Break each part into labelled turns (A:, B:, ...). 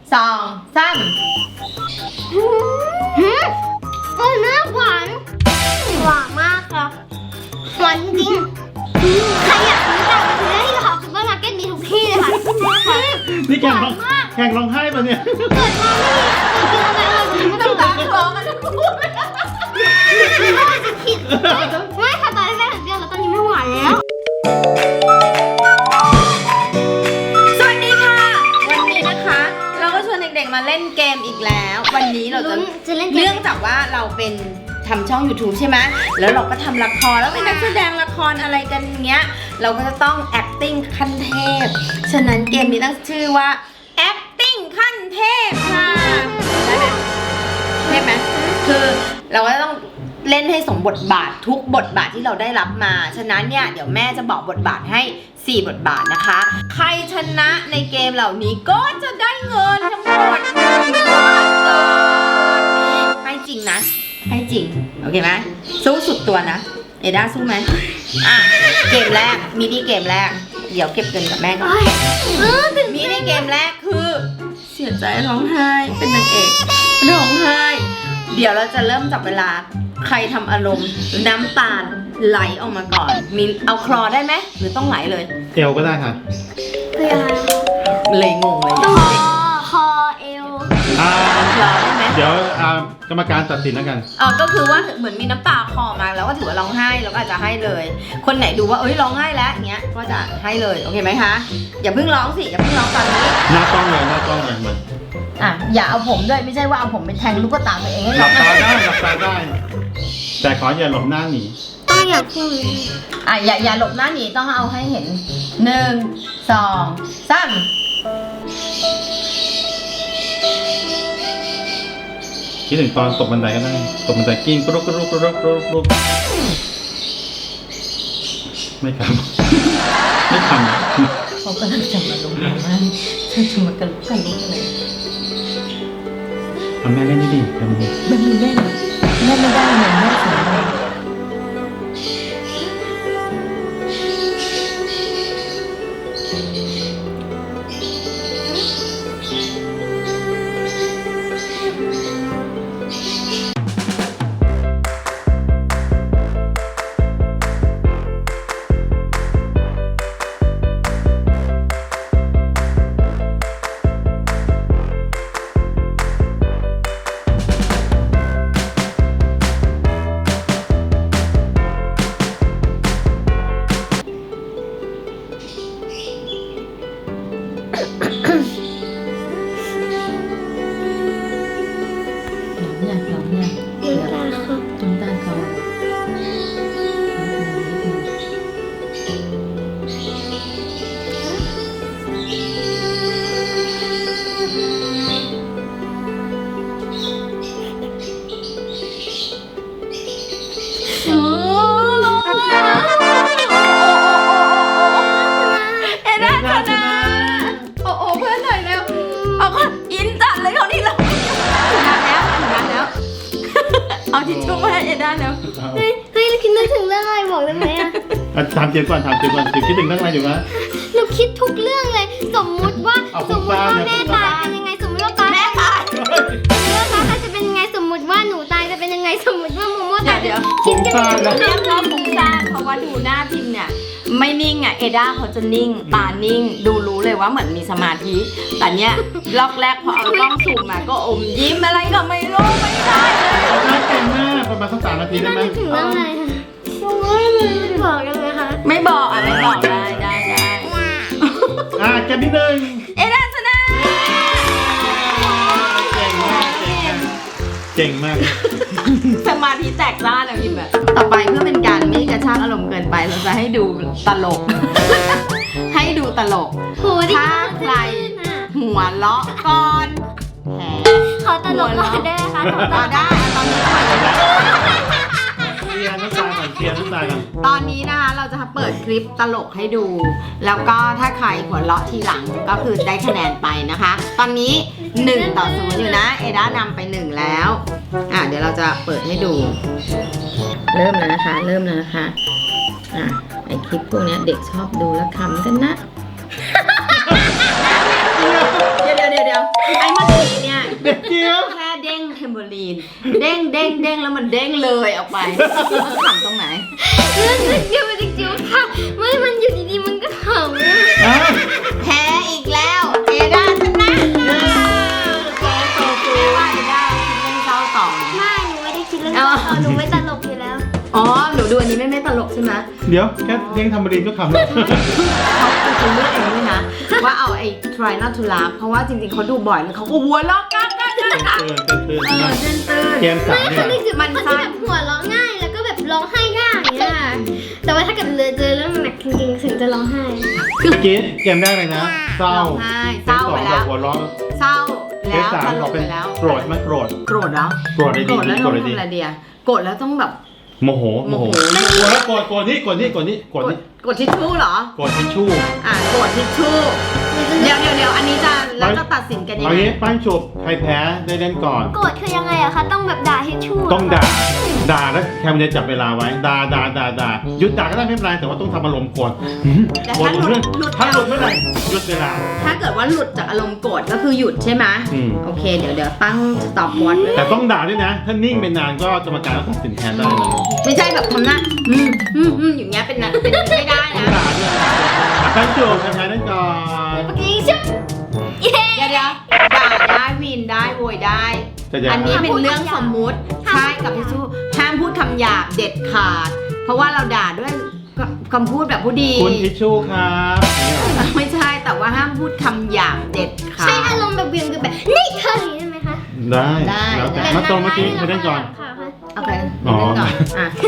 A: 2 3
B: โอ้ยน่าหวานมากครับหวานจริงใครอยากซื้อแบบซื้อได้ที่ท็อปซูเปอร์มาร์เก็ตมีทุกที่เลยค่ะ
C: นี่แข่งร้องไห้ป่ะเนี่ย
B: เกิดมาไม่มีกินอะไรเลยไม่ต้อง
A: ตาคลอกันทั้งคู่เลย
B: จะผิดไม่ค่ะตอนแรกเปรี้ยวแล้วตอนนี้ไม่หวานแล้ว
A: สวัสดีค่ะวันนี้นะคะเราก็ชวนเด็กๆมาเล่นเกมอีกแล้ว วันนี้เราจะ
B: เล่นเก
A: เนื่อ
B: ม
A: งจากว่าเราเป็นทำช่อง YouTube ใช่ไหมแล้วเราก็ทำละครแล้วเป็นนักแสดงละครอะไรกันเงี้ยเราก็จะต้อง acting ขั้นเทพฉะนั้นเกมนี้ตั้งชื่อว่า acting ขั้นเทพค่ะได้ไหมเทพไหมคือเราก็ต้องเล่นให้สมบทบาททุกบทบาทที่เราได้รับมาฉะนั้นเนี่ยเดี๋ยวแม่จะบอกบทบาทให้4 บทบาทนะคะใครชนะในเกมเหล่านี้ก็จะได้เงินทั้งหมด1,000 บาทนี่ให้จริงนะให้จริงโอเคไหมสู้สุดตัวนะเอด้าสู้ไหมอ่ะเกมแรกมินิเกมแรกเดี๋ยวเก็บเงินกับแม่ก่อนมินิเกมแรกคือเสียใจร้องไห้เป็นนางเอกร้องไห้เดี๋ยวเราจะเริ่มจับเวลาใครทำอารมณ์น้ำตาไหลออกมาก่อนมีเอาคลอได้ไหมหรือต้องไหลเลย
C: เอวก็ได้ค่ะ
B: คืออะไร
A: เลยงงเลย
B: คอเอว
A: คลอได้ไหม
C: เดี๋ยวกรรมการตัดสินแล้วกัน
A: ก็คือว่าเหมือนมีน้ำตาคลอมาแล้วก็ถือว่าร้องไห้เราก็อาจจะให้เลย คนไหนดูว่าเอ้ยร้องไห้แล้วเงี้ยก็จะให้เลยโอเคไหมคะอย่าเพิ่งร้องสิอย่าเพิ่งร้องตอนนี้
C: หน้ากล้องเลยมัน
A: อย่าเอาผมด้วยไม่ใช่ว่าเอาผมไปแทงลูกตาตัวเองให้
C: ห
A: ร้
C: ลั
A: อบ ง
C: ตาได้หลับตาได้ แต่ขออย่าหลบหน้าหนี
B: ต้องอยากพูด
A: อย่าหลบหน้าหนีต้องเอาให้เห็น1 2 3
C: คิดถึงตอนตกบันไดก็ได้ตกบันไดกิ้งกรุกไม่ทำไม่ทำ
A: เขาก็น่าจะมาลงมาว่าฉันจะมากระลุกกระลุกอะไร
C: เอาแม่เล่นดิทำดิ
A: แม่ไม่เล่นแม่ไม่ได้เหมือนแม่สอนเลยร้องเนี่ย
B: น้ำตาครับ
A: น้ำตาเขาเอด้าชนะโอ้เพื่อนหน่อยเร็วเอาก็อินจัดเลยเขานี่เราชนะแล้วเอาทิชชู่มาให้เอด้าแล้ว
B: เฮ้ยคิดนึกถึงเรื่องอะไรบอกได้ไหมอะ
C: ถามเจมก่อนถึงคิดถึงเรื่องอะไรอยู่นะ
B: หนูคิดทุกเรื่องเลย สมมุติว่า
C: เอา
B: สมมุติว่า
C: คุณป้า
B: แม่ตายเป็นยังไงสมมุติว่าป้า
A: แม่ตาย
B: สมมุติว่าป้าจะเป็นยังไงสมมุติว่าหนูตายจะเป็นยังไงสมมุติว่าโมโมตาย
A: เดี๋ยว
B: คิดกัน
C: ฟุ้งซ่านนะ
A: เรียกว่าฟุ้งซ่านเพราะว่าดูหน้าพิมพ์เนี่ยไม่นิ่งอ่ะเอด้าเขาจะนิ่งตานิ่งดูรู้เลยว่าเหมือนมีสมาธิแต่เนี้ยล็อกแรกพอเอากล้องซูมมาก็อมยิ้มอะไรก็ไม่รู้ไม่ได้เลย
C: เก่งมากประมาณสัก3 นาทีได้ไหม
B: นึกถึงเรื่องอะไรคะโอ้ยไม่บอกกันเลยค่ะ
A: ไม่บอกไม่บอกได้
C: เกมที่หนึ่ง
A: เอด้าชนะ
C: เก่งมาก
A: สมาธิแตกซ่านอะพิมพ์แบบต่อไปเพื่อเป็นการไม่กระชากอารมณ์เกินไปเราจะให้ดูตลก ให้ดูตลก
B: โหดิ
A: ถ้าใครหัวเราะก่อนแหม
B: ขอตลกก่อนได้ไหมคะ
A: ได้ตอนนี้ก่อน
C: เคลียร์น้ำตาก่อน
A: ตอนนี้นะคะเราจะเปิดคลิปตลกให้ดู แล้วก็ถ้าใครหัวเราะทีหลังก็คือได้คะแนนไปนะคะ ตอนนี้1-0อยู่นะเอด้านำไป1แล้วเดี๋ยวเราจะเปิดให้ดู เริ่มแล้วนะคะไอคลิปพวกนี้เด็กชอบดูแล้วขำกันนะ เดี๋ยวไอ้เมื่อกี้เนี่ย
C: เด็กเจี๊ยบ
A: แค่เด้งเทมโบลีนเด้งแล้วมันเด้งเลยออกไปมันขำตรงไหน
B: มันเดียวมันจิ๋วค่ะไม่มันอยู่ดีๆมันก็ขำ
C: อ่ะ
A: แพ้อีกแล้วเอด้าชนะแม่ว่าเอด้าคิดเรื่องเศร้าต่อ
B: ไม่หนูไม่ได้คิดเรื่องนี้หนูไม่ตลกอยู่แล้ว
A: อ๋อหนูดูอันนี้ไม่ตลกใช่ไหม
C: เดี๋ยวแค่เด้งทำบรีนก็ขำแล้ว
A: เขาเป็นคนเลือกเองด้วยนะว่าเอาไอ้ try not to laugh เพราะว่าจริงๆเขาดูบ่อยแล้วเขาก็หัวเราะกัน
C: ตื่น
A: ตื่น
C: เกมสาม
B: ไม่
C: เนี่
B: คือย นึกถึงคนที่แบบหัวเราะง่ายแล้วก็แบบร้องไห้ง่ายอย่างเงี้ยค่ะแต่ว่าถ้าเกิดเจอเรื่องหนักจริงๆถึงจะร้องไห้
C: เมื่อกี้เกมแรกเลยนะเศร้า
A: ร้องไห้เศร้าไปแล้ว
C: หัวร้อน
A: เศร้า
C: เก
A: แล้
C: ม
A: ว
C: สาม
A: ตล
C: บอก
A: ก
C: เป็น
A: ไปแล้ว
C: โกรธไหมโกรธ
A: โกรธเหรอ
C: โกรธได้ดี
A: โกรธแล้ว
C: โกร
A: ต้
C: ธ
A: อง
C: ได้ดี
A: ทำอะไรเดียโกรธแล้วต้องแบบ
C: โมโหแล้วโกรธนี่โกรธนี่
A: กดทิชชู่เหรอ
C: โกรธทิชชู่
A: โกรธทิชชู่เดี๋ยวอันนี้จะแล้วจะตัดสินกันยัง
C: เอา
A: ไง
C: งี้ปั้นฉุบใครแพ้ได้เล่นก่อน
B: โกรธคือยังไงอะคะต้องแบบด่าให้ชั่ว
C: ต้องด่าแล้วแคมจะจับเวลาไว้ด่าหยุดด่าก็ได้ไม่เป็นไรแต่ว่าต้องทำอารมณ์โกรธ
A: แต่
C: โกรธ
A: ถ้าหลุด
C: ถ้าหลุดเมื่อไหร่หยุดเวลา
A: ถ้าเกิดว่าหลุดจากอารมณ์โกรธก็คือหยุดใช่ไหม
C: อืม
A: โอเคเดี๋ยวตั้ง stop watch ไว้
C: แต่ต้องด่าด้วยนะ ถ้านิ่งเป็นนานก็กรรมการก็ตัดสินแทนได้นะ
A: ไม่ใช่แบบทำหน้าอย่างเงี้ยเป็นไม่ได้
C: ต้อ
A: นะ
C: งด่าด้วยปั้นฉุบใครแพ้ได้ก่อน
B: เมื่อกี้ชุบเย้
A: เดี๋ยวด่าได้วินได้โวยได้ อันนี้เป็นเรื่องสมมุติใช่กับทิชชู่ห้ามพูดคำหยาบเด็ดขาด เพราะว่าเราด่าด้วยคำพูดแบบผู้ดี
C: คุณทิชชู่ครับ
A: ไม่ใช่แต่ว่าห้ามพูดคำหยาบเด็ดขาด
B: ใช้อารมณ์แบบเวียงคือแบบนี่เธออย่างนี้ได้ไหมคะ
C: ได้แล้วแต่มาตรงเมื่อกี้ใครได้ก่อน
B: ค่ะ
A: โอเคเล่นก่อน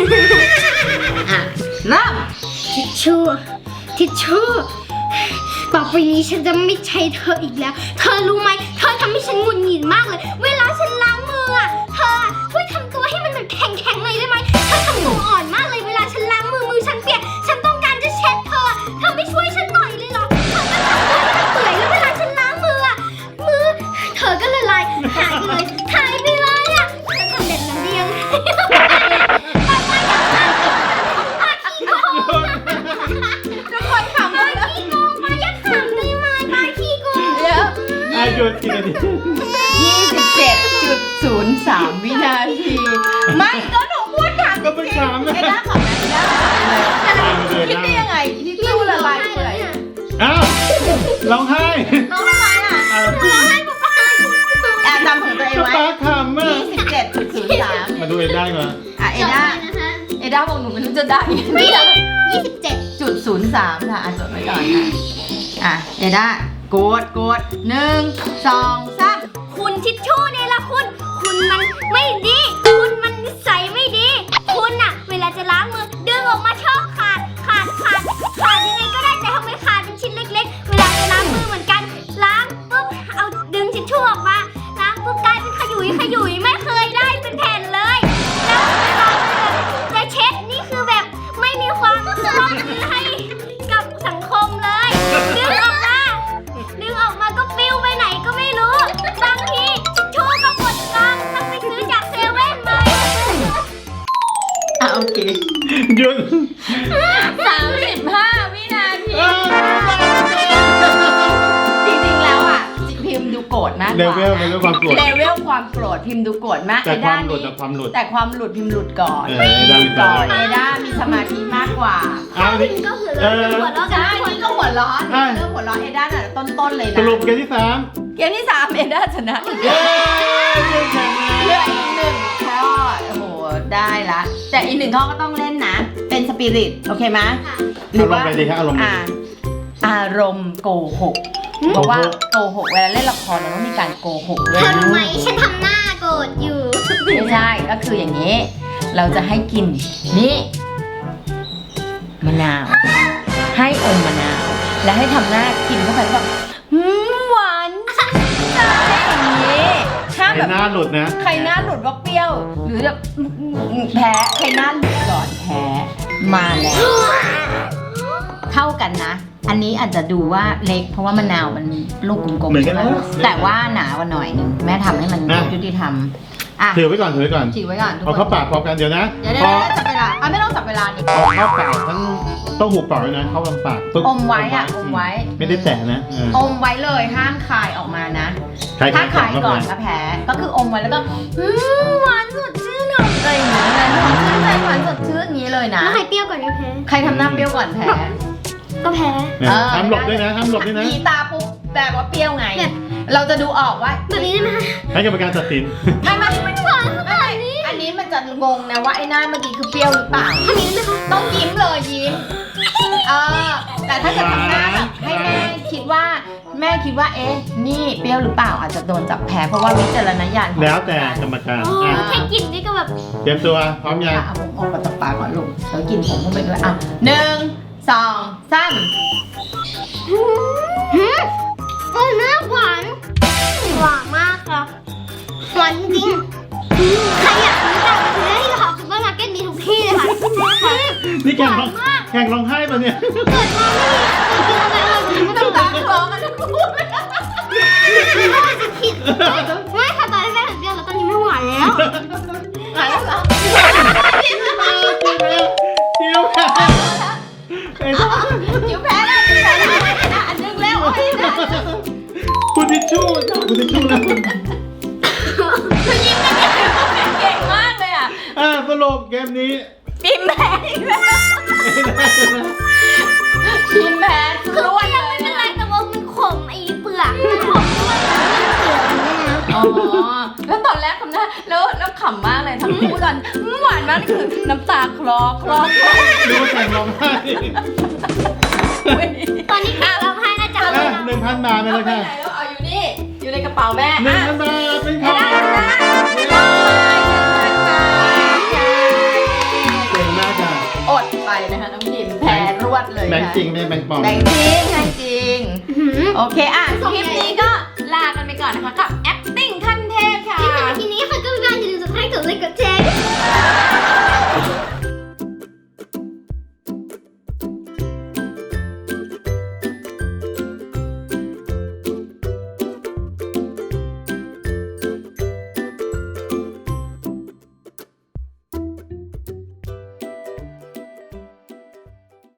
A: เริ่ม
B: ทิชชู่ต่อไปนี้ฉันจะไม่ใช้เธออีกแล้ว เธอรู้ไหมเธอทำให้ฉันหงุดหงิดมากเลย เวลาฉันล้างมืออะเธอช่วยทำตัวให้มันแบบแข็งๆเลยได้ไหมเธอทำตัวอ่อนมากเลยเวลาฉันล้างมือฉันเปียกฉันต้องการจะเช็ดเธอไม่ช่วยฉันหน่อยเลยเหรอเธอก็ทำตัวให้มันเปื่อยแล้วเวลาฉันล้างมืออะมือเธอก็ละลายหายไปเลยเธอทำแบบนั้นได้ยังไง
A: ทุกคนขำเลย
B: ขี้โกงมาอย่าขำได้ไหมปาขี้โกง
A: เดี๋ยว
C: อายุกี่นาที
A: 27.03 วินาที ไม่ก็หนูพูดถาม
C: ก็เป็นถามนะ
A: ไอ้ด้าขำนะไอ้ด้าคิดได้ยังไงที่ตู้ละลายเปื่อย
C: อ้าวร้องไห้
A: น้องอะไรอ่ะ จำของตัวเองไว้
C: ป้าขำอ่ะ
A: 27.03
C: มาดูเอ็นได้ก่อน
A: เอด้าบอกหนูไม่รู้จะได้นี่
B: 27
A: 0.03 ค่ะจดไว้ก่อนเอด้ากด1 2 3
B: คุณทิชชู่เนี่ยละคุณมันไม่ดี คุณมันนิสัยไม่ดี คุณอะเวลาจะล้างมือดึงออกมาชอบขาดยังไงก็ได้แต่ทำไมขาดเป็นชิ้นเล็กๆ เวลาจะล้างมือเหมือนกันล้างปุ๊บเอาดึงทิชชู่ออกมาล้างปุ๊บกลายเป็นขยุยไม่เคยได้เป็นแผ่นเลยแล้วเวลาจะเช็ดนี่คือแบบไม่มีความร่วมมือให้กับสังคมเลยดึงออกมาก็ปลิวไปไหนก็ไม่รู้ บางทีทิชชู่ก็หมดกล่องต้องไปซื้อจากเซเว่นเลย
A: โอเค
C: หยุด
A: 35 วินาที จริงๆแล้วพิมพ์ดูโกรธมากก
C: เล
A: ว่า
C: เวลความโกรธ
A: เลเวลความโกรธพิมพ์ดูโกรธมาก
C: แต่ความหลุด
A: แต่ความหลุดพิมพ์หลุดก่อน
C: เออได้
A: เอด้ามีสมาธิมากกว่า
C: อ้าวนี่
B: ก็คือหัวเราะกั
A: ใช่
B: นทุกคน
A: นี่ก็หัวร้อนเรื่องหัวร้อนเอด้าน่ะต้นๆเลย
C: ส
A: นะ
C: รุปเกมที่
A: เกมที่ 3 เอด้าชนะ
C: 3เย้
A: เหลืออีก1ข้อโอ้โหได้ละแต่อีก1ข้อก็ต้องเล่นนะเป็นสปิริตโอเคไหม
C: อารมณ์ไปดีครับอารมณ์
A: อารมณ์โกหกเพราะว่าโกหกเวลาเล่นละครเราต้องมีการโกหกด้ว
B: เธ
A: ย
B: อรู้ไหมฉันทำหน้าโกรธอยู่
A: ไม่ใช่ก็คืออย่างนี้ เราจะให้กินนี่มะนาว ให้อมมะนาว และให้ทำหน้ากินเข้าไปแล้วแบบหวานใจอย่างนี้ถ้า
C: ไอ้
A: แบบ
C: หน้าหลุดนะ
A: ใครหน้าหลุดว่าเปรี้ยว หรือแบบแพ้ใครหน้าหลุดก่อนแพ้มาแล้ว เท่ากันนะ อันนี้อาจจะดูว่าเล็กเพราะว่ามะนาวมันลูกกลม
C: เหมื
A: ๆ
C: อนกั
A: ใช่
C: น
A: ไหม
C: นะ
A: แต่ว่าหนากว่าหน่อยหนึงแม่ทำให้มันยุติธรรมอ่ะ
C: ถือไว้ก่อน
A: ฉีกไว้ก่อนทุก
C: เอา
A: ค
C: เข้าน ปากพร้อมกันเดี๋ยวนะ
A: เดี๋ยว
C: พอ
A: จับเวลาไม่ต้องจับเวลาดิ
C: เอาเข้าปากทั้งต้องหูปากด้วยนะเข้าลำปากปึ๊บ
A: อมไว้อะอมไว้
C: ไม่ได้แตะนะเออ
A: อมไว้เลยห้ามคายออกมานะ
C: คาย
A: ถ้าคาย
C: เข้า
A: ก่อน
C: ไป
A: ก็แพ้ก็คืออมไว้แล้วก็หวานสดชื่นอะไรอย่างเงี้ยหอมชื่นใจหวานสดชื่นอย่างนี้เลยนะ
B: แล้วใครเปรี้ยวก่อนก็แพ้
A: ใครทำหน้าเปรี้ยวก่อนแพ้
B: ก็แพ้
C: เนี่ยห้ามหลบด้วยนะห้ามหลบด้วยนะ
A: มีตาปุ๊บแบบว่าเปรี้ยวไง
B: แบบ
A: เราจะดูออกว่า
B: แบบนี้ได้ไหมคะ
C: ให้กรรมการตัดสิน
A: ไม่หวานขนาดนี้อันนี้มันจะงงนะว่าไอ้หน้าเมื่อกี้คือเปรี้ยวหรือเปล่า
B: ทำอย่างนี้ได้ไหมคะ
A: ต้องยิ้มเลยยิ้มแต่ถ้าเกิดทำหน้าแบบให้แม่คิดว่าเอ๊ะนี่เปรี้ยวหรือเปล่าอาจจะโดนจับแพ้เพราะว่าวิจารณญาณของ
C: แล้วแต่กรรมการ
B: โอ้
C: อ่ะ
B: แค่กลิ่นนี่ก็แบบ
C: เตรียมตัวพร้อมยัง
A: เอาผมออกมาจากปากก่อนลูกแล้วกินผมเข้าไปด้วยอ่ะ1 2 3
B: โอ้เนื้อหวานหวานมากค่ะหวานจริงใครอยากซื้อต่างประเทศที่เขาซุปเปอร์มาร์เก็ตมีทุกที่เลยค่ะ
C: นี่แข่งร้องไห้ป่ะเนี่ย
B: เกิดมาไม่มีเคยกินอะไรเลยไม่ต้อง
A: ตา
B: ตาม
A: คลอกันทั้งคู่เลย
B: ผิดไม่ค่ะตอนแรกเปรี้ยวแล้วตอนนี้ไม่หวานแล้ว
A: หายแล้วเหรอ
C: คิวแพ้ไอ้ท่า
A: จิ๋วแพ้แล้วจิ๋วแพ้แล้วอันนึงแล้วโอ้ยนะ
C: คุณทิชชู่คุณทิชชู่นะ
A: คือยิ้มกันเก่งมากเลยอ่ะ
C: สรุปเกมนี้
A: ปิมแพ้อีกแล้วปิมแพ้คื
B: คือ อ
A: ล้วน
B: ยังไม่เป็นไรแต่ว่ามันขมไอ้เปลือกมันขมด้วยมันเปลือกเนี่ยนะ
A: อ๋อแล้วตอนแรกทำหน้าแล้วขำมากเลยทั้งคู่ตอนหวานมากคือน้ำตาคลอ
C: รู้ว่าแข่งร้องไห้
B: ตอนนี้เราให้น่าจะ
C: 1,000 บาทไป
A: เอา
C: เลย
A: ไป
C: ค่ะ
A: ไหนแล้วเอาอยู่นี่อยู่ในกระเป๋าแม่
C: 1,000 บาทเป็นของเก่งมากค่ะ
A: อดไปนะคะน้องพิมแพ้รวดเลย
C: แบงค์จริงไม่แบงค์ปลอม
A: แบงค์จริงให้จริง โอเคอ่ะคลิปนี้ก็ลากันไปก่อนนะคะกับ